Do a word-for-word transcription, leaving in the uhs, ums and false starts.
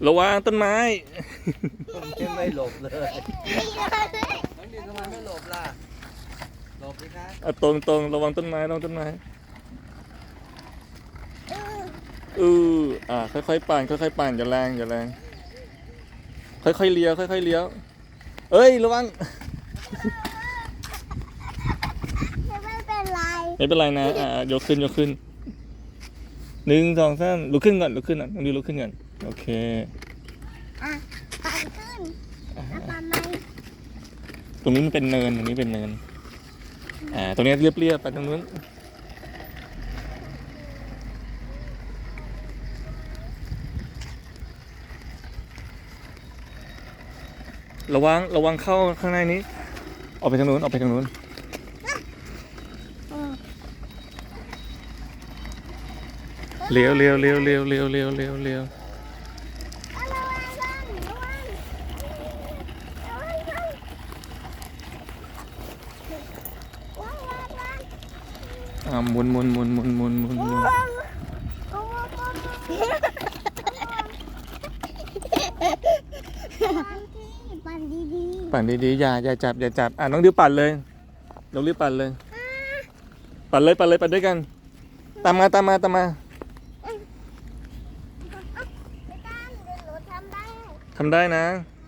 ระวังต้นไม้ไม่หลบเลยน้องดินทำไมไม่หลบล่ะหลบสิคะเอาตรงตรงระวังต้นไม้ระวังต้นไม้อืออ่าค่อยๆปั่นค่อยๆปั่นอย่าแรงอย่าแรงค่อยๆเลี้ยวค่อยๆเลี้ยวเอ้ยระวังไม่เป็นไรไม่เป็นไรนะอ่ายกขึ้นยกขึ้นหนึ่งสองสามลุกขึ้นก่อนลุกขึ้นอ่ะต้องดูลุกขึ้นก่อนโอเคอ่ะปั่นขึ้นแล้วปั่นไหมตรงนี้มันเป็นเนินตรงนี้เป็นเนินอ่าตรงนี้เรียบๆไปตรงนู้นระวังระวังเข้าข้างในนี้ออกไปทางนู้นออกไปทางนู้นเลี้ยวเลี้ยวเลี้ยวเลี้ยวเลี้ยวเลี้ยวเลี้ยวเลี้ยวเอาระวังกันระวังระวังกันระวังระวังอ่าหมุนหมุนหมุนหมุนหมุนหมุนหมุนระวังระวังปั่นดีปั่นดีๆอย่าอย่าจับอย่าจับอ่ะน้องดิวปั่นเลยน้องดิวปั่นเลยปั่นเลยปั่นเลยปั่นด้วยกันตามมาตามมาตามมาๆไม่ต้องเดี๋ยวหนูทำได้ทำได้นะท